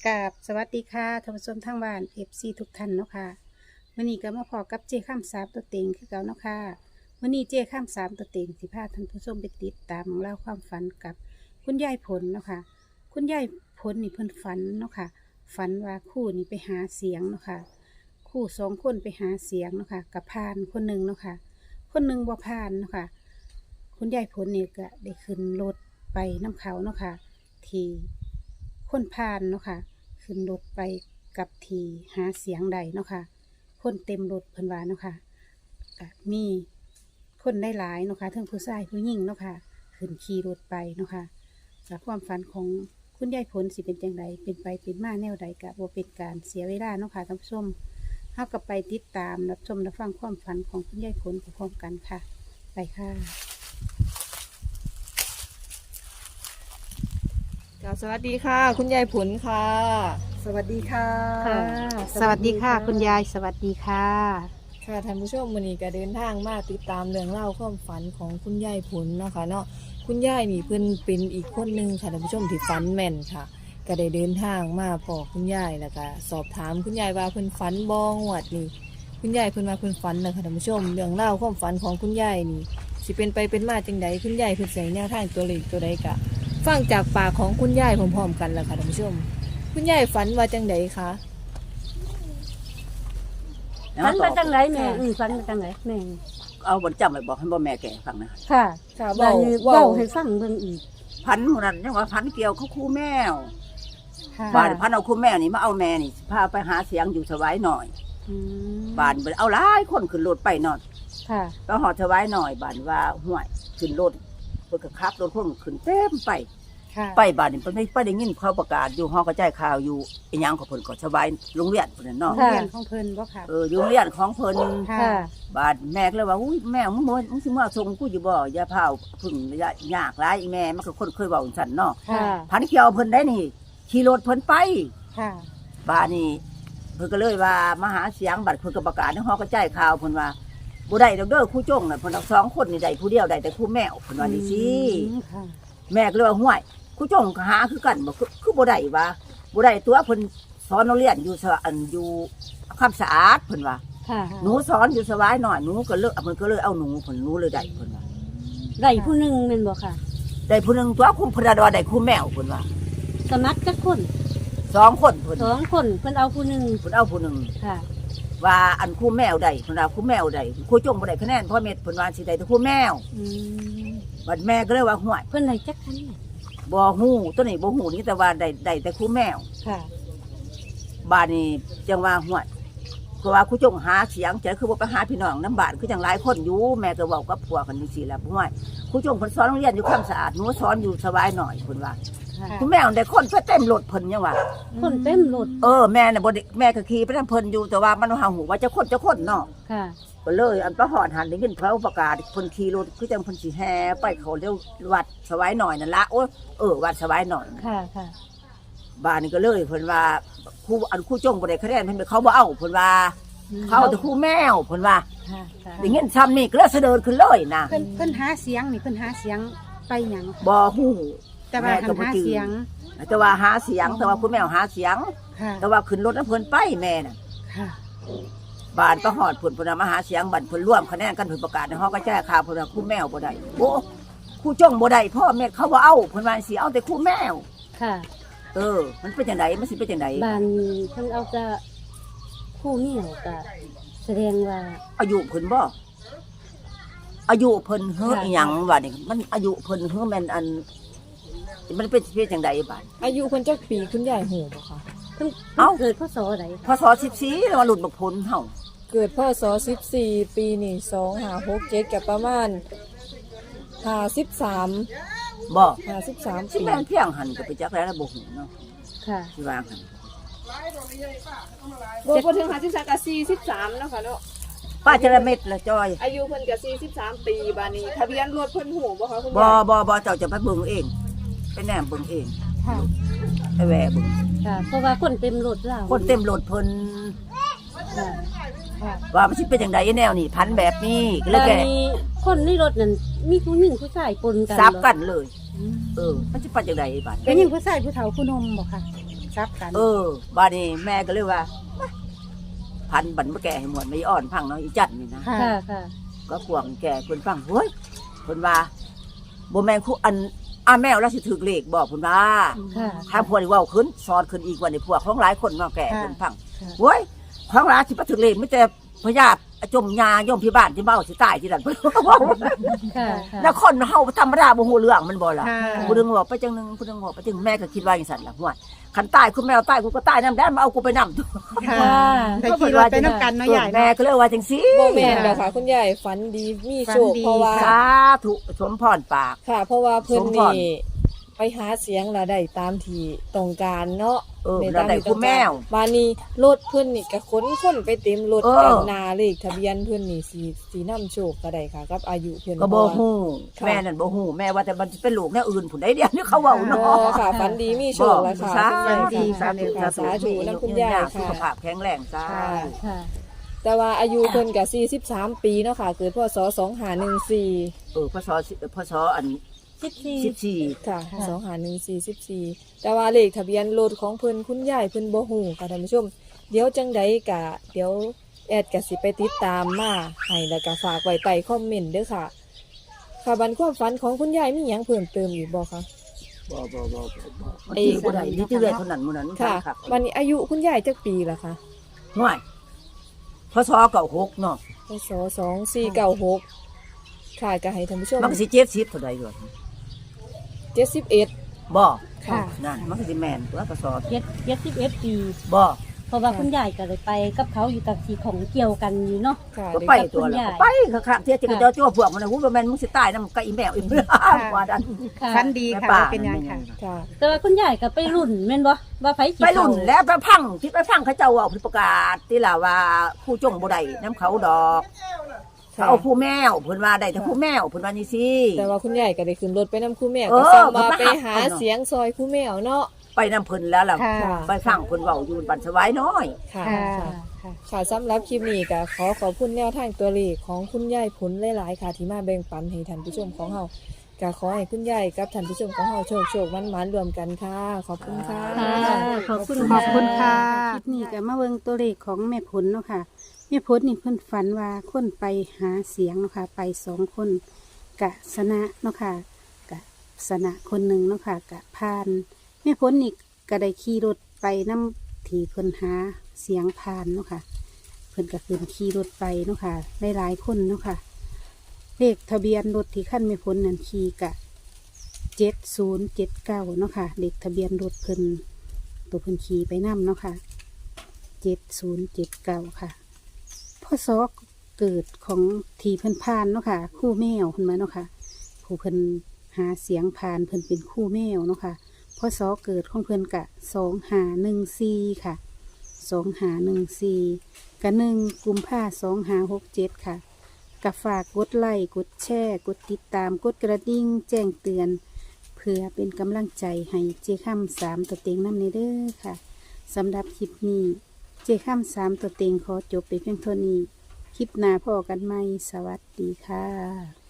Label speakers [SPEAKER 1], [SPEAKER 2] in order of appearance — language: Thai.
[SPEAKER 1] กราบสวัสดีค่ะท่านผู้ชมทางบ้านFCทุกท่านเนาะค่ะวันนี้ก็มาพอกับเจ้ข้ามสามตัวเต็งคือเก่าเนาะค่ะวันนี้เจ้ข้ามสามตัวเต็งสิพาท่านผู้ชมไปติดตามเล่องราวความฝันกับคุณยายผลเนาะค่ะคุณยายผลนี่เพิ่นฝันเนาะค่ะฝันว่าคู่นี่ไปหาเสียงเนาะค่ะคู่สองคนไปหาเสียงเนาะค่ะกับพานคนหนึ่งเนาะค่ะคนหนึ่งบ่พานเนาะค่ะคุณยายผลนี่ก็ได้ขึ้นรถไปน้ำเขาเนาะค่ะที่คนพานเนาะค่ะขึ้นรถไปกับทีหาเสียงใดเนาะค่ะคนเต็มรถเพิ่นว่าเนาะค่ะก็มีคนได้หลายเนาะค่ะทั้งผู้ชายผู้หญิงเนาะค่ะขึ้นขี่รถไปเนาะค่ะจากความฝันของคุณยายผลสิเป็นจังไดเป็นไปเป็นมาแนวใดกะบ่เป็นการเสียเวลาเนาะค่ะท่านผู้ชมเฮาก็ไปติดตามรับชมรับฟังความฝันของคุณยายผลพร้อมๆกันค่ะไปค่ะ
[SPEAKER 2] สวัสดีค่ะ คุณยายผลค่ะ
[SPEAKER 3] สวัสดีค่ะ
[SPEAKER 1] ค่ะสวัสดีค่ะคุณยายสวัสดีค่ะ
[SPEAKER 2] ค่ะท่านผู้ชมวันนี้ก็เดินทางมาติดตามเรื่องเล่าวความฝันของคุณยายผลเนาะค่ะเนาะคุณยายนี่เพิ่นเป็นอีกคนหนึ่งค่ะท่านผู้ชมที่ฝันแม่นค่ะ ก็ได้เดินทางมาพอคุณยายแล้วก็สอบถามคุณยายว่าเพิ่นฝันบ่งวดนี่คุณยายเพิ่นว่าเพิ่นฝันนะคะท่านผู้ชมเรื่องเล่าวความฝันของคุณยายนี่สิเป็นไปเป็นมาจังใดคุณยายเพิ่นใส่แนวทางตัวเลขตัวใดกะฟังจากปากของคุณยายพร้อมๆกันแล้วค่ะท่านผู้ชมคุณยายฝันว่าจังใดคะ
[SPEAKER 3] แล้ว
[SPEAKER 4] ฝัน
[SPEAKER 3] ต่
[SPEAKER 4] มา
[SPEAKER 3] อ
[SPEAKER 4] จังไรแม่ฝันมาจังไรแม่
[SPEAKER 3] เอาบนจำไปบอกให้บ่แม่แก่ฟังนะ
[SPEAKER 4] ค่ะ
[SPEAKER 2] ค่ะ
[SPEAKER 4] บา
[SPEAKER 2] เว้า
[SPEAKER 4] นี้
[SPEAKER 2] เว้า
[SPEAKER 4] เว้าให้ฟังเบิ่งอีก
[SPEAKER 3] พันหมู่นั้นยังว่าพันเกี่ยวเขาคู่แมว
[SPEAKER 1] ค่ะ
[SPEAKER 3] บ้านพันเอาคู่แมวนี่มาเอาแม่นี่พาไปหาเสียงอยู่สวายหน่อย
[SPEAKER 1] อืม
[SPEAKER 3] บ้านเอาหลายคนขึ้นรถไปนอน
[SPEAKER 4] ค่ะ
[SPEAKER 3] ก็หอดสวายหน่อยบ้านว่าห่วยขึ้นรถเพิ่นก็ขับรถคนขึ้นเต็มไป
[SPEAKER 1] ค่ะ
[SPEAKER 3] ไปบ้านนี่เพิ่นไปได้ยินเขาประกาศอยู่ห้องกระจายข่าวอยู่อีหยังของเพิ่นก็สวายโรงเรียนเพิ่นน่ะเนาะ
[SPEAKER 1] โรงเรียนของเพิ่นบ่ค่ะ
[SPEAKER 3] อยู่โรงเรียนของเพิ่น
[SPEAKER 1] ค่ะ
[SPEAKER 4] ค่ะ
[SPEAKER 3] บาดแม่ก็เลยว่าอุ้ยแม่มึงสิมาส่งกูอยู่บ่อย่าพาวพึ่งอย่ายากหลายอีแม่มันก็คนเคยเว้าสั่นเนาะ
[SPEAKER 4] ค่ะ
[SPEAKER 3] พันเกี่ยวเพิ่นได้นี่ขี่รถเพิ่นไป
[SPEAKER 1] ค่ะ
[SPEAKER 3] บาดนี่เพิ่นก็เลยว่ามาหาเสียงบัดเพิ่นก็ประกาศในฮอกระจายข่าวเพิ่นว่าบ่ได้ดอกเด้อครูจ้งน่ะเพิ่นเอาสองคนนี่ได้ผู้เดียวได้แต่ครูแมวเพิ่นว่านี่สิ
[SPEAKER 1] อืมค่ะ
[SPEAKER 3] แม่ก็เลยว่าห่วยครูจ้งก็หาคือกันบ่คือบ่ได้ว่าบ่ได้ตัวเพิ่นสอนโรงเรียนอยู่อยู่คำสะอาดเพิ่นว่า
[SPEAKER 4] ค่ะ
[SPEAKER 3] หนูสอนอยู่สบายหน่อยหนูก็เลิกเพิ่นก็เลยเอาหนูเพิ่นหนูเลยได้เพิ่นว่า
[SPEAKER 4] ได้ผู้หนึงแม่นบ่ค่ะ
[SPEAKER 3] ได้ผู้หนึงตัวคุมพระดาได้คู่แมวเพิ่นว่า
[SPEAKER 4] สมัครจักคน
[SPEAKER 3] สองคนเพิ่น
[SPEAKER 4] สองคนเพิ่นเอาผู้หนึง
[SPEAKER 3] เพิ่นเอาผู้หนึง
[SPEAKER 4] ค่ะ
[SPEAKER 3] ว่าอันคู่แมวได้เพิ่นว่าคู่แมวได้คู่จงบ่ได้คะแนนเพราะเม็ดเพิ่นว่าสิได้แต่คู่แมว
[SPEAKER 4] อืม
[SPEAKER 3] บัดแม่ก็เลยว่าห่วย
[SPEAKER 4] เพิ่นได้จักคันน่ะ
[SPEAKER 3] บ่ฮู้ตัวนี้บ่ฮู้นี่แต่ว่าได้แต่คู่แมว
[SPEAKER 4] ค่ะ
[SPEAKER 3] บ้านนี้จังว่าห่วยก็ว่าคู่จงหาเสียงใจคือบ่ไปหาพี่น้องน้ำบ้านคือจังหลายคนอยู่แม่ก็เว้ากับผัวกันจังซี่แหละห่วยคู่จงเพิ่นสอนโรงเรียนอยู่ความสะอาดหนูสอนอยู่สบายหน่อยเพิ่นว่า
[SPEAKER 4] ค่ะ
[SPEAKER 3] คุณแม่ได้คนไปเต็มรถเพิ่นยังว่า
[SPEAKER 4] คนเต็มรถ
[SPEAKER 3] แม่น่ะบ่ได้แม่ก็ขี่ไปนำเพิ่นอยู่แต่ว่ามันหาหูว่าจะคนเนาะ
[SPEAKER 4] ค่ะ
[SPEAKER 3] ก็เลยอันประหอดหันได้ยินเขาประกาศเพิ่นขี่รถคือจังเพิ่นสิแห่ไปเขาเรียกวัดสวายหน่อยนั่นละโอ้วัดสวายหน่อย
[SPEAKER 4] ค่ะค่ะ
[SPEAKER 3] บ้านนี้ก็เลยเพิ่นว่าครูจงบ่ได้คะแนนเพิ่นเขาบ่เอาเพิ่นว่าเขาเอาแต่ครูแมวเพิ่นว่า
[SPEAKER 4] ค่ะค่ะ
[SPEAKER 3] ได้ยินซ้ำนี่ก็เลยเสด็จขึ้นเลยนะ
[SPEAKER 1] เพิ่นหาเสียงนี่เพิ่นหาเสียงไปหยัง
[SPEAKER 3] บ่ฮู้
[SPEAKER 1] แต่ว่าหันหาเสียง
[SPEAKER 3] แต่ว่าหาเสียงแต่ว่าครูแมวหาเสียง
[SPEAKER 1] ค่ะ
[SPEAKER 3] แต่ว่าขึ้นรถแล้วเพิ่นไปแม่น่ะ
[SPEAKER 1] ค่ะ
[SPEAKER 3] บ้านประหอดเพิ่นมาหาเสียงบันเพิ่นร่วมคะแนนกันเพิ่นประกาศในห้องกระจายข่าวเพิ่นว่าคู่แมวบ่ได้โอ้คู่จ้องบ่ได้พ่อแม่เขาบ่เอาเพิ่นว่าสิเอาแต่คู่แมว
[SPEAKER 4] ค่ะ
[SPEAKER 3] มันเป็นจังไดมันสิเป็นจังได
[SPEAKER 4] บ้านนี้เพิ่นเอาจะผู้เมียก็แสดงว่า
[SPEAKER 3] อายุเพิ่นบ่อายุเพิ่นเฮ้ออีหยังว่านี่มันอายุเพิ่นเฮ้อแม่นอันมันเป็นจังไดบ้าน
[SPEAKER 2] อายุคนจักปีคุณยายหูบ่คะ
[SPEAKER 4] เพิ่น
[SPEAKER 3] เอ้า
[SPEAKER 4] เกิดพศใด
[SPEAKER 3] พศ14แล้วมาหลุดบักพลเฮา
[SPEAKER 2] เกิดพศ14ปีนี่2567กับประมาณ53
[SPEAKER 3] บ่
[SPEAKER 2] 53
[SPEAKER 3] สิ
[SPEAKER 2] ปี
[SPEAKER 3] แม่นเพียงหันก็ไปจักแล้วบ่ฮู้เนาะ
[SPEAKER 4] ค่ะ
[SPEAKER 3] สิว่าหัน
[SPEAKER 2] บ่ถึง53ก็43เนาะค่ะเนาะ
[SPEAKER 3] ป้าจระเม็ดละจอย
[SPEAKER 2] อายุเพิ่นก็43ปีบาดนี้ทะเบียนรถเพิ่นหูบ่คะคุณ
[SPEAKER 3] บ่
[SPEAKER 2] ยาย
[SPEAKER 3] บ่เจ้าจะไปเบิ่งเองไปแนมเบิ่งเอง
[SPEAKER 1] ค่ะ
[SPEAKER 3] ไปแหวะเบิ่ง
[SPEAKER 4] ค่ะ เพราะว่าคนเต็มรถแล้ว
[SPEAKER 3] คนเต็มรถเพิ่น
[SPEAKER 4] ค่ะ
[SPEAKER 1] ค่ะ
[SPEAKER 3] ว่ามันสิเป็นจังไดแนวนี่พันแบบนี้ก็เลย
[SPEAKER 4] แล้ว
[SPEAKER 3] แก
[SPEAKER 4] มีคนในรถนั่นมีผู้หญิงผู้ชายปนกัน
[SPEAKER 3] ซับกัน
[SPEAKER 4] เหรอ
[SPEAKER 3] เลย มันสิเป็นจังไดบัด
[SPEAKER 1] เป็นหยังผู้ชายผู้เฒ่าผู้หนมบ่ค่ะซับกัน
[SPEAKER 3] บ้านนี้แม่ก็เลยว่าพันบันมาแก่ให้หมดไม่อ่อนพังเนาะอีจัดนี่นะ
[SPEAKER 1] ค่ะ
[SPEAKER 4] ค่ะค่ะ
[SPEAKER 3] ก็กวางแก่คนฟังเฮ้ยคนว่าบ่แม่นคู่อันแมวแล้วสิถึกเลขบอกคนว่า
[SPEAKER 4] ค่ะ
[SPEAKER 3] ถ้าพวกนี้เว้าขึ้นสอนขึ้นอีกว่าในพวกของหลายคนมาแก่
[SPEAKER 1] ค่ะ
[SPEAKER 3] คนฟัง
[SPEAKER 4] ค่ะ
[SPEAKER 3] เฮ้ยของหลายสิบ่ถึกเลขไม่แต่พญาติจมยาย่อมพี่บ้านที่เบ้าสิตายที่นั่น
[SPEAKER 4] ค่ะ
[SPEAKER 3] แล้วคนเฮาธรรมดาบ่ฮู้เรื่องมันบ่ล่ะ
[SPEAKER 1] ค่ะ
[SPEAKER 3] ผู้นึงบอกไปจังนึงผู้นึงบอกไปจังแม่ก็คิดว่าอย่างสั่นล่ะห่วยคันตายคุณแมวตายกูก็ตายนำได้มาเอากูไปนำ
[SPEAKER 1] ค่ะไปขี่รถไปน้ำกันเนาะใหญ่
[SPEAKER 3] แม่ก็เลยว่าจังซี่
[SPEAKER 2] บ่แม่นดอกค่ะ คุณยายฝันดีมีโชค
[SPEAKER 1] ฝันดี
[SPEAKER 2] เพราะว่า
[SPEAKER 3] สาธุสมพรปาก
[SPEAKER 2] ค่ะ เพราะว่าเพิ่น
[SPEAKER 3] สมพร
[SPEAKER 2] นี่ไปหาเสียงละได้ตามที่ต้องการเนาะ
[SPEAKER 3] แล้วได้คุณแมว
[SPEAKER 2] บานนี้รถเพิ่นนี่ก็ขนคนไปเต็มรถ
[SPEAKER 3] เออ
[SPEAKER 2] กันหนาเลขทะเบียนเพิ่นนี่สีน้ำโชคก็ได้ค่ะกับอายุเพิ่น
[SPEAKER 3] ก็บ่
[SPEAKER 2] เพราะว่า
[SPEAKER 3] ฮู้
[SPEAKER 2] ค่ะ
[SPEAKER 3] แม่นั่นบ่ฮู้แม่ว่าแต่มันสิเป็นลูกแนวอื่นผู้ใดเดียวนี่เขาเว้า
[SPEAKER 2] อ๋
[SPEAKER 3] เนาะ
[SPEAKER 2] อค่ะฝันดีมีโชคแล้วค่ะ
[SPEAKER 3] สา
[SPEAKER 2] คุณยาย
[SPEAKER 3] ธุ
[SPEAKER 2] ค่ะ
[SPEAKER 3] สาธุ
[SPEAKER 2] ค่ะสาธุนํคุณยาย
[SPEAKER 3] สุข
[SPEAKER 2] ค่ะ
[SPEAKER 3] ภาพแข็งแรงจ้า
[SPEAKER 2] ค่ะ
[SPEAKER 4] ค่ะ
[SPEAKER 2] แต่ว่าอายุเพิ่นก็43 ปีเนาะค่ะ เกิดพศ2514
[SPEAKER 3] พศอัน
[SPEAKER 4] 14
[SPEAKER 3] 14
[SPEAKER 2] ค่ะ
[SPEAKER 4] ค่ะ
[SPEAKER 2] 2514แต่ว่าเลขทะเบียนรถของเพิ่นคุณยายเพิ่นบ่ฮู้ค่ะท่านผู้ชม เดี๋ยวจังใดกะเดี๋ยวแอดก็สิไปติดตามมาให้แล้วก็ฝากไว้ใต้คอมเมนต์เด้อค่ะ ค่ะบันความฝันของคุณยายมีหยังเพิ่มเติมอีกบ่คะ
[SPEAKER 3] บ่
[SPEAKER 2] ไอ้
[SPEAKER 3] ผู้ใดที่เรื่อยเท่านั้นหมู่นั้น
[SPEAKER 2] ค่ะ
[SPEAKER 3] รับ
[SPEAKER 2] วันนี้อายุคุณยายจักปีละคะ
[SPEAKER 3] ห่วยพศ96เนาะ
[SPEAKER 2] พศ2496ค่ะก็ให้ท่านผู้ชม
[SPEAKER 3] มันก็สิ70เท่าใดด้วย
[SPEAKER 2] 71
[SPEAKER 3] บ่
[SPEAKER 1] ค่ะ
[SPEAKER 3] นั่นมันก็สิแม่นตัวพศ
[SPEAKER 4] 71 ปี
[SPEAKER 3] บ่
[SPEAKER 4] เพราะว่าคุณยายก็เลยไปกับเขาอยู่กับสีของเกี่ยวกันอยู่เนาะ
[SPEAKER 2] ค่ะ
[SPEAKER 3] ก็
[SPEAKER 2] เดี๋ยว
[SPEAKER 3] ไป
[SPEAKER 2] กับ
[SPEAKER 3] ตัว
[SPEAKER 2] คุณ
[SPEAKER 3] แล้ว
[SPEAKER 2] ยาย
[SPEAKER 3] ก็ไปค่ะๆเที่ยที่ก็เจ้าจ้วพวกมันน่ะฮู้ว่าแม่นมึงสิตายนำกับอีแมวอีกว่าดัน
[SPEAKER 4] ค่ะ
[SPEAKER 1] ฟันดีค่ะ
[SPEAKER 3] แม่ป้า
[SPEAKER 1] ว่าเป็นยังค่ะ
[SPEAKER 2] ค่ะ
[SPEAKER 4] แต่ว่าคุณยายก็ไปรุ่นแม่นบ่ว่าไผสิ
[SPEAKER 3] ไปรุ่น
[SPEAKER 4] เข้า
[SPEAKER 3] แล้วไปพังที่ไปพังเขาเจ้าเอาประกาศที่ล่ะว่าผู้จงบ่ได้น้ำเขาดอก
[SPEAKER 2] ค่ะ
[SPEAKER 3] เอาผู้แมวเพิ่นว่าได้แต่ผู้แมวเพิ่นว่านี่สิ
[SPEAKER 2] แต่ว่าคุณยายก็ได้ขึ้นรถไปนำครูแมว
[SPEAKER 3] เออ
[SPEAKER 2] ก็ซ้ำว่า
[SPEAKER 3] ก็มา
[SPEAKER 2] ไปหา
[SPEAKER 3] หาเนาะ
[SPEAKER 2] เสียงซอยครูแมวเนาะ
[SPEAKER 3] ไปนำเพิ่นแล้วล่ะ
[SPEAKER 1] ค่ะ
[SPEAKER 2] ค่ะ
[SPEAKER 3] ไปฟังเพิ่นเว้าอยู่บันสวายน้อย
[SPEAKER 2] ค่ะ
[SPEAKER 1] ค่ะ
[SPEAKER 2] ค่ะ
[SPEAKER 1] ค่ะ
[SPEAKER 2] ค่ะสำหรับคลิปนี้ก็ขอบคุณแนวทางตัวเลขของคุณยายผลหลายๆค่ะที่มาแบ่งปันให้ท่านผู้ชมของเฮาก็ขอให้คุณยายกับท่านผู้ชมของเฮาโชคมันๆรวมกันค่ะ ขอบคุณค่ะ
[SPEAKER 4] ค่ะขอบคุณ
[SPEAKER 1] ขอบคุณค่ะ คลิปนี้ก็มาเบิ่งตัวเลขของแม่ผลเนาะค่ะแม่ผลนี่เพิ่นฝันว่าคนไปหาเสียงเนาะค่ะ ไป2 คนกะสนะเนาะค่ะกะสนะคนหนึ่งเนาะค่ะกะพานแม่ผลนี่ก็ได้ขี่รถไปนำที่เพิ่นหาเสียงพานเนาะค่ะ เพิ่นก็ขึ้นขี่รถไปเนาะค่ะหลายๆคนเนาะค่ะ เลขทะเบียนรถที่ขั้นไม่พ้นนั่นขี่กะ7079เนาะค่ะเลขทะเบียนรถเพิ่นตัวเพิ่นขี่ไปนํเนาะค่ะ7079ค่ะพศเกิดของทีเพิ่นพานเนาะค่ะ คู่แมวเพิ่นมาเนาะค่ะ ผู้เพิ่นหาเสียงพานเพิ่นเป็นคู่แมวเนาะค่ะพศเกิดของเพิ่นกะ2514ค่ะ2514กะ1 กุมภา2567ค่ะ กับฝากกดไลค์กดแชร์กดติดตามกดกระดิ่งแจ้งเตือน เพื่อเป็นกำลังใจให้เจค่ำ3ตัวเต็งน้ำในเด้อค่ะสำหรับคลิปนี้เจค่ำ3ตัวเต็งขอจบไปเพียงเท่านี้ คลิปหน้าพอกันไหมสวัสดีค่ะ